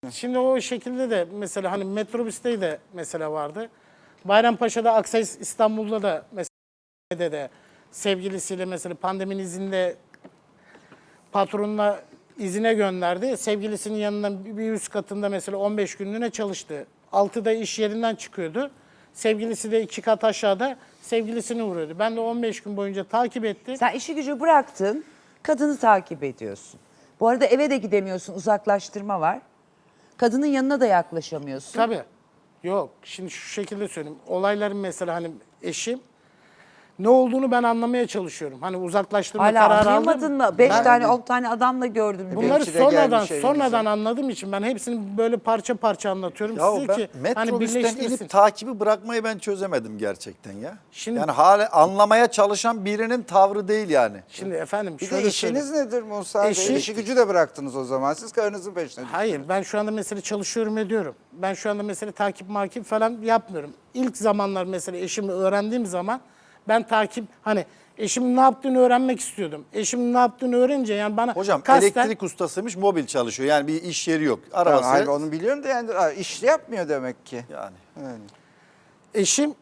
Şimdi o şekilde de mesela hani metrobüste de mesela vardı. Bayrampaşa'da, Aksays İstanbul'da da mesela de sevgilisiyle mesela pandeminin izinde patronuna izine gönderdi. Sevgilisinin yanından bir üst katında mesela 15 günlüğüne çalıştı. 6'da iş yerinden çıkıyordu. Sevgilisi de 2 kat aşağıda sevgilisini vuruyordu. Ben de 15 gün boyunca takip ettim. Sen işi gücü bıraktın, kadını takip ediyorsun. Bu arada eve de gidemiyorsun, uzaklaştırma var. Kadının yanına da yaklaşamıyorsun. Tabii. Yok. Şimdi şu şekilde söyleyeyim. Olayların mesela hani eşim ne olduğunu ben anlamaya çalışıyorum. Hani uzaklaştırma Hala kararı anlayamadın aldım. mı? 5 Ben tane 10 tane adamla gördüm. bunları Belki de gelmiş sonradan evinize. anladığım için ben hepsini böyle parça parça anlatıyorum Ya size ben ki hani metrobüsten birleştirsin. inip takibi bırakmayı ben çözemedim gerçekten ya. Şimdi- yani hala anlamaya çalışan birinin tavrı değil yani. Şimdi efendim Bir şöyle de işiniz söyleyeyim. nedir Musa Bey? Eşi- İşi gücü de bıraktınız o zaman. Siz karınızın peşine düştünüz. Hayır, ben şu anda mesela çalışıyorum ediyorum. Ben şu anda mesela takip makip falan yapmıyorum. İlk zamanlar mesela eşimi öğrendiğim zaman ben takip hani eşimin ne yaptığını öğrenmek istiyordum. Eşimin ne yaptığını öğrenince yani bana Hocam kasten elektrik ustasıymış, mobil çalışıyor. Yani bir iş yeri yok. Tamam, Arabası hayır, onu biliyorum da yani iş yapmıyor demek ki. yani. Yani. eşim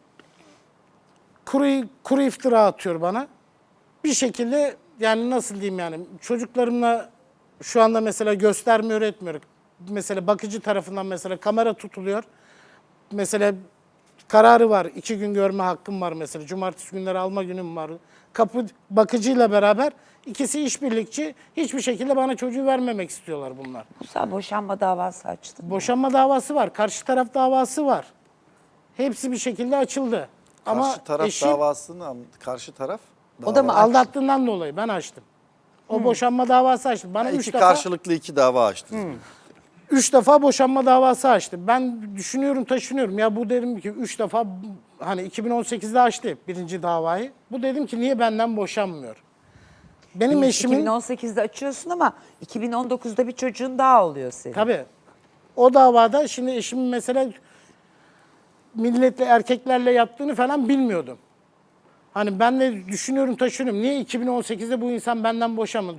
kuru iftira atıyor bana. Bir şekilde yani nasıl diyeyim yani çocuklarımla şu anda mesela göstermiyor etmiyor. Mesela bakıcı tarafından mesela kamera tutuluyor. Mesela kararı var. 2 gün görme hakkım var mesela. Cumartesi günleri alma günüm var. Kapı bakıcıyla beraber ikisi işbirlikçi. Hiçbir şekilde bana çocuğu vermemek istiyorlar bunlar. Musa boşanma davası açtın. Boşanma davası var. Karşı taraf davası var. Hepsi bir şekilde açıldı. Ama Karşı taraf eşim davasını karşı taraf O da mı dava- aldattığından dolayı ben açtım. O boşanma davası açtı. Bana İki 3 defa karşılıklı iki dava açtınız. 3 defa boşanma davası açtı. Ben düşünüyorum, taşınıyorum. Ya bu dedim ki 3 defa hani 2018'de açtı birinci davayı. Bu dedim ki niye benden boşanmıyor? Benim eşimin 2018'de açıyorsun ama 2019'da bir çocuğun daha oluyor senin. tabii o davada şimdi eşimin mesela milletle erkeklerle yattığını falan bilmiyordum. Hani ben de düşünüyorum, taşınıyorum. Niye 2018'de bu insan benden boşanmadı?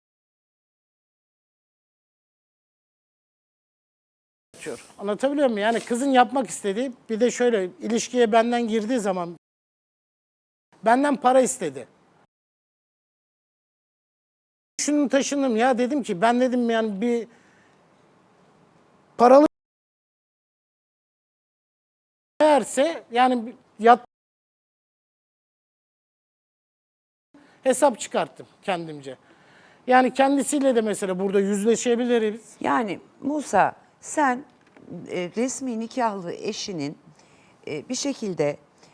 Anlatabiliyor muyum? Yani kızın yapmak istediği bir de şöyle ilişkiye benden girdiği zaman benden para istedi. Şunu taşındım ya dedim ki ben dedim yani bir paralı eğerse yani yat hesap çıkarttım kendimce. Yani kendisiyle de mesela burada yüzleşebiliriz. Yani Musa sen resmi nikahlı eşinin bir şekilde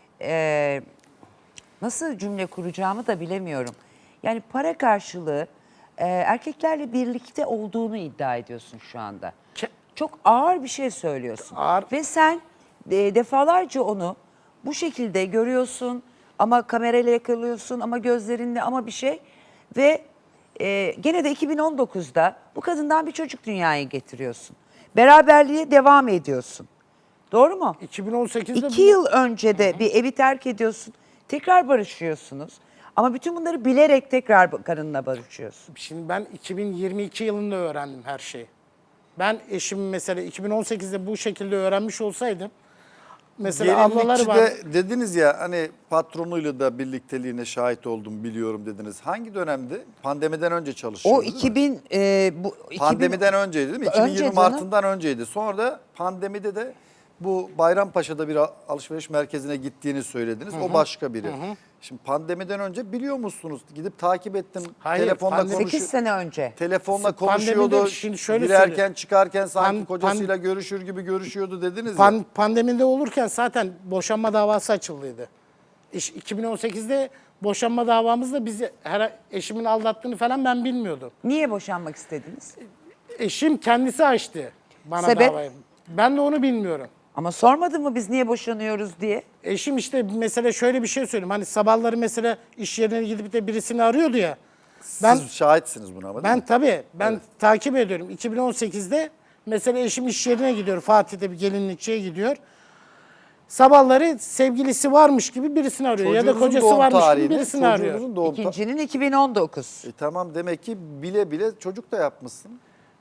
nasıl cümle kuracağımı da bilemiyorum. Yani para karşılığı erkeklerle birlikte olduğunu iddia ediyorsun şu anda. Ke- Çok ağır bir şey söylüyorsun. Ağır. Ve sen defalarca onu bu şekilde görüyorsun ama kamerayla yakalıyorsun ama gözlerinle ama bir şey ve gene de 2019'da bu kadından bir çocuk dünyaya getiriyorsun. Beraberliğe devam ediyorsun. Doğru mu? 2018'de 2 yıl önce de bir evi terk ediyorsun. Tekrar barışıyorsunuz. Ama bütün bunları bilerek tekrar karınla barışıyorsun. Şimdi ben 2022 yılında öğrendim her şeyi. Ben eşim mesela 2018'de bu şekilde öğrenmiş olsaydım mesela ablaları var. Gelinlikçide dediniz ya hani patronuyla da birlikteliğine şahit oldum biliyorum dediniz. Hangi dönemdi? Pandemiden önce çalışıyordu O değil mi? 2000 bu 2000 Pandemiden önceydi değil mi? Önce 2020 canım. Mart'ından önceydi. Sonra da pandemide de bu Bayrampaşa'da bir alışveriş merkezine gittiğini söylediniz. O başka biri. Şimdi pandemiden önce biliyor musunuz? Gidip takip ettim. Hayır, Telefonla pandemi- 8 sene önce. Telefonla Pandemide konuşuyordu. şimdi şöyle Girerken söyleyeyim. çıkarken sanki Pan- kocasıyla görüşür gibi görüşüyordu dediniz ya. Pandemide olurken zaten boşanma davası açıldıydı. 2018'de boşanma davamızda bizi eşimin aldattığını falan ben bilmiyordum. Niye boşanmak istediniz? Eşim kendisi açtı bana Sebep? davayı. Ben de onu bilmiyorum. Ama sormadın mı biz niye boşanıyoruz diye? Eşim işte mesela şöyle bir şey söyleyeyim. Hani sabahları mesela iş yerine gidip de birisini arıyordu ya. Ben Siz şahitsiniz buna ama değil mi? tabii takip ediyorum. 2018'de mesela eşim iş yerine gidiyor. Fatih'te bir gelinlikçiye gidiyor. Sabahları sevgilisi varmış gibi birisini arıyor ya da Çocuğunuzun kocası doğum varmış tarihi gibi ne? birisini arıyor. Çocuğunuzun doğum tarihi. İkincinin 2019. Tamam demek ki bile bile çocuk da yapmışsın.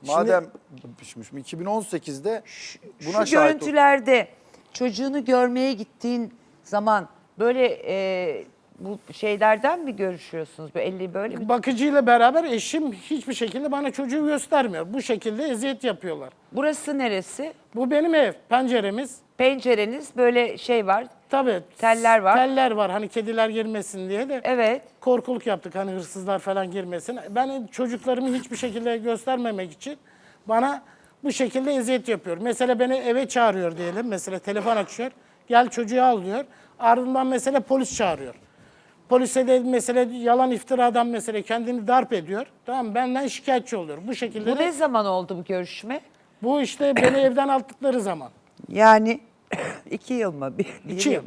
Madem şimdi 2018'de buna Şu şahit görüntülerde çocuğunu görmeye gittiğin zaman böyle bu şeylerden mi görüşüyorsunuz? Böyle mi? Bakıcıyla beraber eşim hiçbir şekilde bana çocuğu göstermiyor. Bu şekilde eziyet yapıyorlar. Burası neresi? Bu benim ev, penceremiz. Pencereniz böyle şey var. Tabii. Teller var. Teller var hani kediler girmesin diye de. Evet. Korkuluk yaptık hani hırsızlar falan girmesin. Ben çocuklarımı hiçbir şekilde göstermemek için bana bu şekilde eziyet yapıyor. Mesela beni eve çağırıyor diyelim. Mesela telefon açıyor. Gel çocuğu al diyor. Ardından mesela polis çağırıyor. Polise de mesela yalan iftiradan mesela kendini darp ediyor. Tamam benden şikayetçi oluyor. Bu şekilde Bu de, ne zaman oldu bu görüşme? bu işte beni evden attıkları zaman. Yani 2 yıl mı? Bir 2 yıl. mı?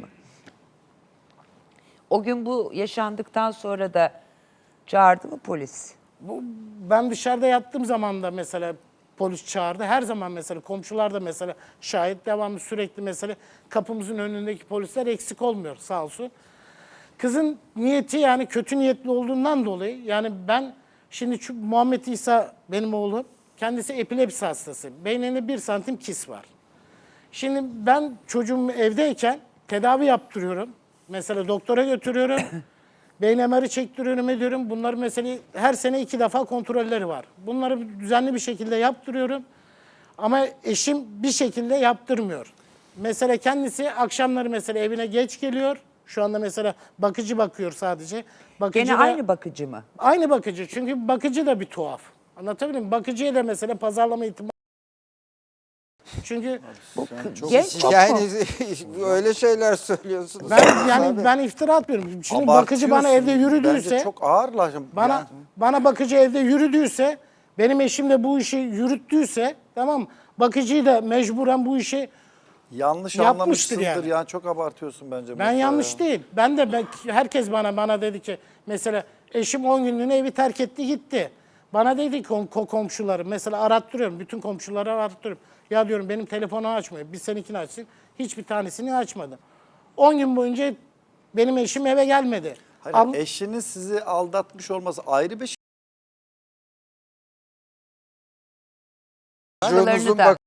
O gün bu yaşandıktan sonra da çağırdı mı polis? Ben dışarıda yattığım zaman da mesela polis çağırdı. Her zaman mesela komşular da mesela şahit devamlı sürekli mesela kapımızın önündeki polisler eksik olmuyor sağ olsun. Kızın niyeti yani kötü niyetli olduğundan dolayı yani ben şimdi şu Muhammed İsa benim oğlum kendisi epilepsi hastası. Beyninde 1 santim kis var. Şimdi ben çocuğum evdeyken tedavi yaptırıyorum. Mesela doktora götürüyorum. Beyin MR'ı çektiriyorum ediyorum. Bunları mesela her sene 2 defa kontrolleri var. Bunları düzenli bir şekilde yaptırıyorum. Ama eşim bir şekilde yaptırmıyor. Mesela kendisi akşamları mesela evine geç geliyor. Şu anda mesela bakıcı bakıyor sadece. Bakıcı Gene da- aynı bakıcı mı? Aynı bakıcı. Çünkü bakıcı da bir tuhaf. Anlatabiliyor muyum? Bakıcıya da mesela pazarlama ihtimali. Çünkü Genç çok mu? Yani öyle şeyler söylüyorsunuz. ben iftira atmıyorum. Şimdi bakıcı bana evde yürüdüyse, Bence çok ağırlar. bana bakıcı evde yürüdüyse, benim eşim de bu işi yürüttüyse, tamam mı? Bakıcıyı da mecburen bu işi yanlış yapmıştır anlamışsındır yani. yani. Çok abartıyorsun bence. ben Mustafa yanlış ya. değil. Herkes bana dedi ki mesela eşim 10 günlüğüne evi terk etti gitti. Bana dedi ki komşuları mesela arattırıyorum. Bütün komşuları arattırıyorum. Ya diyorum benim telefonu açmıyor. Bir seninkini açsın. Hiçbir tanesini açmadı. 10 gün boyunca benim eşim eve gelmedi. Hayır, eşinin sizi aldatmış olması ayrı bir şey. Çocuğunuzun da.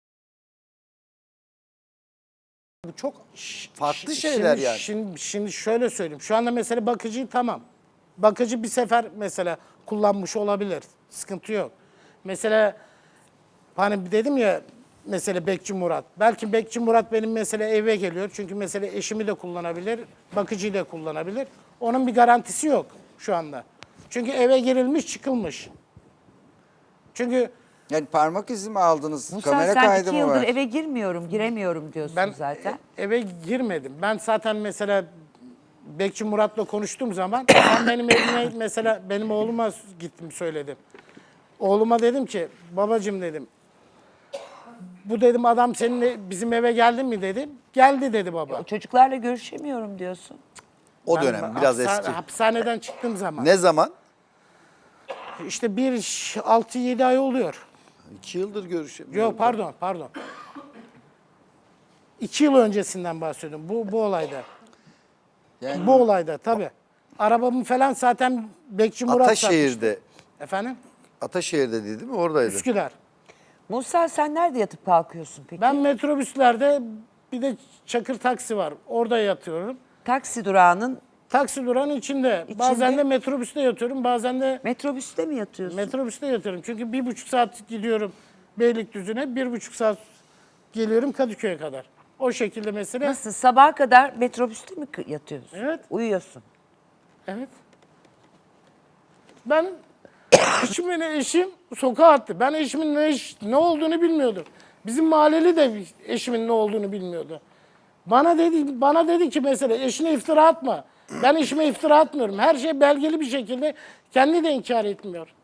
Bu çok farklı şeyler Şimdi, yani. Şimdi şöyle söyleyeyim. Şu anda mesela bakıcıyı tamam. Bakıcı bir sefer mesela kullanmış olabilir. Sıkıntı yok. Mesela hani dedim ya mesela Bekçi Murat. Belki Bekçi Murat benim mesela eve geliyor. Çünkü mesela eşimi de kullanabilir, bakıcıyı da kullanabilir. Onun bir garantisi yok şu anda. Çünkü eve girilmiş çıkılmış. Çünkü Yani parmak izi mi aldınız? Musa Kamera sen kaydı 2 mı yıldır var? eve giremiyorum diyorsun ben zaten. eve girmedim. Ben zaten mesela Bekçi Murat'la konuştuğum zaman ben benim evime mesela benim oğluma gittim söyledim. Oğluma dedim ki babacığım dedim. Bu dedim adam seninle bizim eve geldi mi dedim. Geldi dedi baba. Çocuklarla görüşemiyorum diyorsun. O Ben dönem biraz eski. Hapishaneden çıktığım zaman. Ne zaman? İşte 6-7 ay oluyor. 2 yıldır görüşemiyoruz. Yok pardon. 2 yıl öncesinden bahsediyorum bu olayda. Yani Bu olayda tabii. Arabamı falan zaten Bekçi Murat satmıştı. Ataşehir'de. Efendim? Ataşehir'de değil mi? Oradaydı. Üsküdar. Musa sen nerede yatıp kalkıyorsun peki? Ben metrobüslerde bir de Çakır taksi var. Orada yatıyorum. Taksi durağının Taksi durağının içinde. Bazen de metrobüste yatıyorum. Bazen de metrobüste mi yatıyorsun? metrobüste yatıyorum. Çünkü 1,5 saat gidiyorum Beylikdüzü'ne. 1,5 saat geliyorum Kadıköy'e kadar. O şekilde mesela. Nasıl sabaha kadar metrobüste mi yatıyorsun? Evet. Uyuyorsun. Evet. Ben eşim sokağa attı. Ben eşimin ne olduğunu bilmiyordum. Bizim mahalleli de eşimin ne olduğunu bilmiyordu. Bana dedi ki mesela eşine iftira atma. Ben eşime iftira atmıyorum. Her şey belgeli bir şekilde kendi de inkar etmiyor.